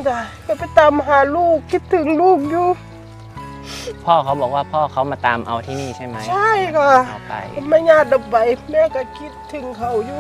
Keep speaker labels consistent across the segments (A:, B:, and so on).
A: จ้ะก็ไปตามหาลูกคิดถึงลูกอยู่
B: พ่อเขาบอกว่าพ่อเขามาตามเอาที่นี่ใช่ไหม
A: ใช่ค่ะ
B: เอาไป
A: ไม่ญาติดับไปแม่ก็คิดถึงเขาอยู่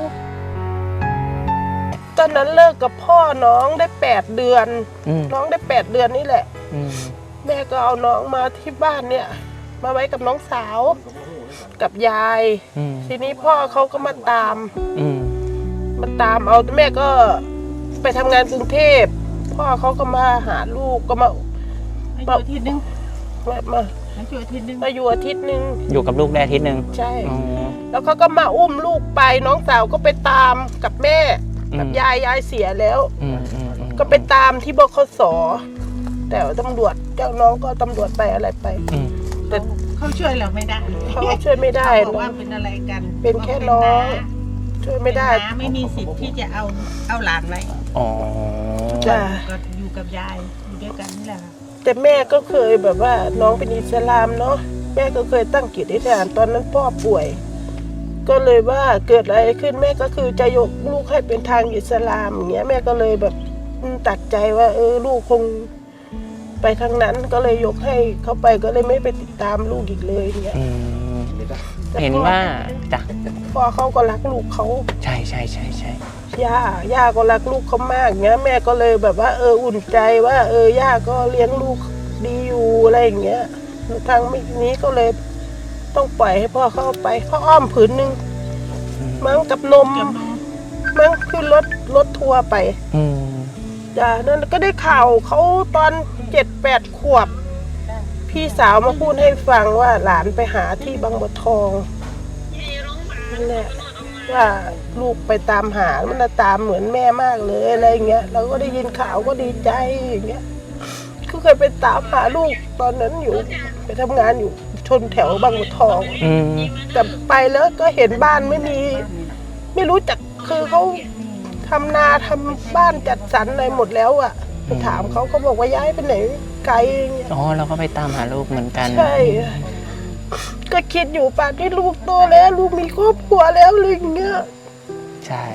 A: ตอนนั้นเลิกกับพ่อน้องได้8 เดือนน้องได้8 เดือนนี่แหละแม่ก็เอาน้องมาที่บ้านเนี่ยมาไว้กับน้องสาวกับยายทีนี้พ่อเขาก็มาตามเอาแม่ก็ไปทำงานกรุงเทพพ่อเขาก็มาหาลูกก็มาอยู่อาทิตย์นึงมาอยู่อาทิตย์นึง
B: อยู่กับลูกได้อาทิตย์นึง
A: ใช่แล้วเขาก็มาอุ้มลูกไปน้องสาวก็ไปตามกับแม่กับยายเสียแล้วก็ไปตามที่บขส.แต่ตำรวจเจ้าน้องก็ตำรวจไปอะไรไป
C: แต่เขาช่วยเราไม่ได้
A: เขาช่วยไม่ได้
C: บอกว่าเป็นอะไรกัน
A: เป็นแค่น้องช่วยไม่ได้
C: ไม่มีสิทธิ์ที่จะเอาหลานไว้
A: จ้ะ
C: ก็อยู่กับยายอยู่ด้วยกันนี่แหละ
A: แต่แม่ก็เคยแบบว่าน้องเป็นอิสลามเนาะแม่ก็เคยตั้งจิตอธิษฐานตอนนั้นพ่อป่วยก็เลยว่าเกิดอะไรขึ้นแม่ก็คือจะยกลูกให้เป็นทางอิสลามอย่างเงี้ยแม่ก็เลยแบบตัดใจว่าลูกคงไปทางนั้นก็เลยยกให้เขาไปก็เลยไม่ไปติดตามลูกอีกเลยอย่างเงี้ย
B: เห็นว่าจ้ะ
A: พ่อเขาก็รักลูกเขา
B: ใช่
A: ย่าก็รักลูกเขามากเงี้ยแม่ก็เลยแบบว่าอุ่นใจว่าย่าก็เลี้ยงลูกดีอยู่อะไรอย่างเงี้ยทางนี้ก็เลยต้องปล่อยให้พ่อเข้าไปพ่ออ้อมผืนนึงมั้งกับนมมั้งขึ้นรถทัวร์ไปจ้ะนั่นก็ได้ข่าวเขาตอน7-8 ขวบพี่สาวมาพูดให้ฟังว่าหลานไปหาที่บางบัวทองนั่นแหละว่าลูกไปตามหามันตามเหมือนแม่มากเลยอะไรเงี้ยเราก็ได้ยินข่าวก็ดีใจอย่างเงี้ยก็เคยไปตามหาลูกตอนนั้นอยู่ไปทำงานอยู่ชนแถวบางบัวทองแต่ไปแล้วก็เห็นบ้านไม่รู้จักคือเขาทำนาทำบ้านจัดสรรอะไรหมดแล้วอ่ะไปถามเขาบอกว่าย้ายไปไหนไกลอย่างเงี้ย
B: เราก็ไปตามหาลูกเหมือนกัน
A: ใช่ก็คิดอยู่ป่านที่ลูกโตแล้วลูกมีครอบครัวแล้วอะไรอย่างเงี้ย
B: ใช่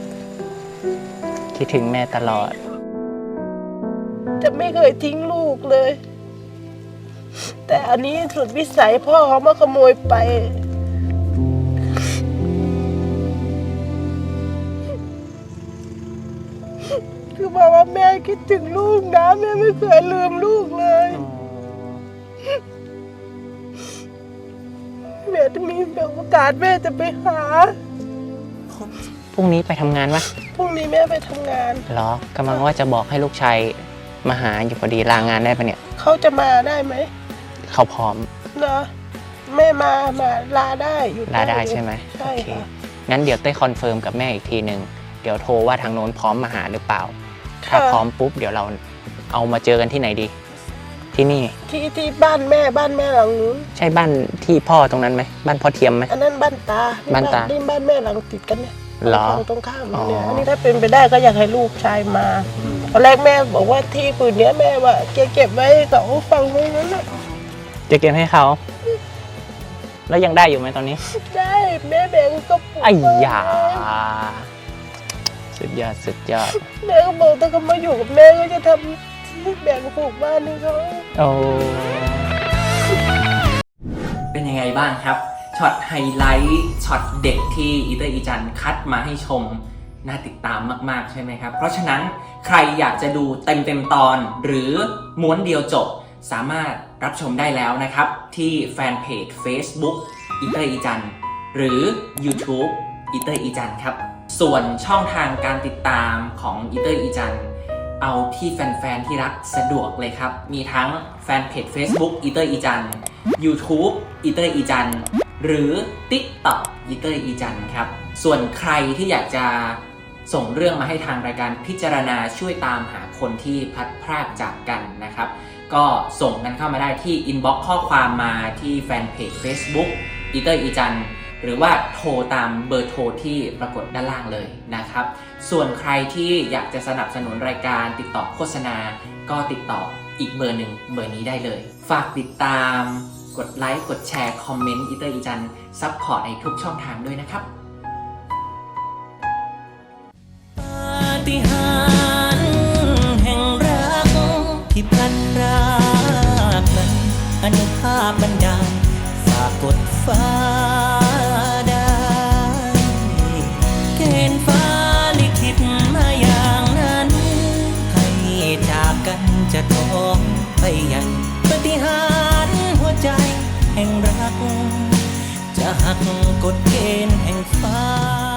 B: คิดถึงแม่ตลอด
A: จะไม่เคยทิ้งลูกเลยแต่อันนี้สุดวิสัยพ่อเขามาขโมยไปคือบอกว่าแม่คิดถึงลูกนะแม่ไม่เคยลืมลูกเลยแม่จะมีโอกาสแม่จะไปหา
B: พรุ่งนี้ไปทำงานปะ
A: พรุ่งนี้แม่ไปทำงาน
B: เหรอกำลังว่าจะบอกให้ลูกชายมาหาอยู่พอดีลางานได้ปะเนี่ย
A: เขาจะมาได้ไหม
B: เขาพร้อม
A: เหรอแม่มาลาได้อยู่
B: ลาได้ใช่ไหม
A: ใช่ค่ะ
B: งั้นเดี๋ยวเต้คอนเฟิร์มกับแม่อีกทีหนึ่งเดี๋ยวโทรว่าทางโน้นพร้อมมาหาหรือเปล่าถ้าพร้อมปุ๊บเดี๋ยวเราเอามาเจอกันที่ไหนดีที่นี่
A: ที่บ้านแม่หลังนู้น
B: ใช่บ้านที่พ่อตรงนั้นไหมบ้านพ่อเทียมไหม
A: อันนั้นบ้านตานี่บ้านแม่หลังติดกันเนี่ยตรงข้ามเนี่ยอันนี้ถ้าเป็นไปได้ก็อยากให้ลูกชายมาตอนแรกแม่บอกว่าที่ผืนนี้แม่ว่าเก็บไว้เขาฟังไว้นั้นน่ะ
B: จะเก็บให้เขาแล้วยังได้อยู่ไหมตอนนี้
A: ได้แม่แบ่งก็
B: ไอ้ยาสุดยอด
A: แม่ก็บอกถ้าเขามาอยู่กับแม่ก็จะทำแบ่งปลูกบ้านให้เขา
B: เป็นยังไงบ้างครับช็อตไฮไลท์ช็อตเด็กที่อีเตอร์อีจันคัดมาให้ชมน่าติดตามมากๆใช่ไหมครับเพราะฉะนั้นใครอยากจะดูเต็มตอนหรือม้วนเดียวจบสามารถรับชมได้แล้วนะครับที่แฟนเพจ Facebook อีเตอร์อีจันหรือ YouTube อีเตอร์อีจันครับส่วนช่องทางการติดตามของอีเตอร์อีจันเอาที่แฟนๆที่รักสะดวกเลยครับมีทั้งแฟนเพจ Facebook อีเตอร์อีจัน YouTube อีเตอร์อีจันหรือ TikTok อีเตอร์อีจันครับส่วนใครที่อยากจะส่งเรื่องมาให้ทางรายการพิจารณาช่วยตามหาคนที่พลัดพรากจากกันนะครับก็ส่งกันเข้ามาได้ที่ inbox ข้อความมาที่แฟนเพจ Facebook อีเตอร์อีจันหรือว่าโทรตามเบอร์โทรที่ปรากฏด้านล่างเลยนะครับส่วนใครที่อยากจะสนับสนุนรายการติดต่อโฆษณาก็ติดต่ออีกเบอร์หนึ่งเบอร์นี้ได้เลยฝากติดตามกดไลค์กดแชร์คอมเมนต์อีเตอร์อีจันซัพพอร์ตในทุกช่องทางด้วยนะครับปาฏิหาริย์แห่งรั
D: รักจะหักกฎเกณฑ์แห่งฟ้า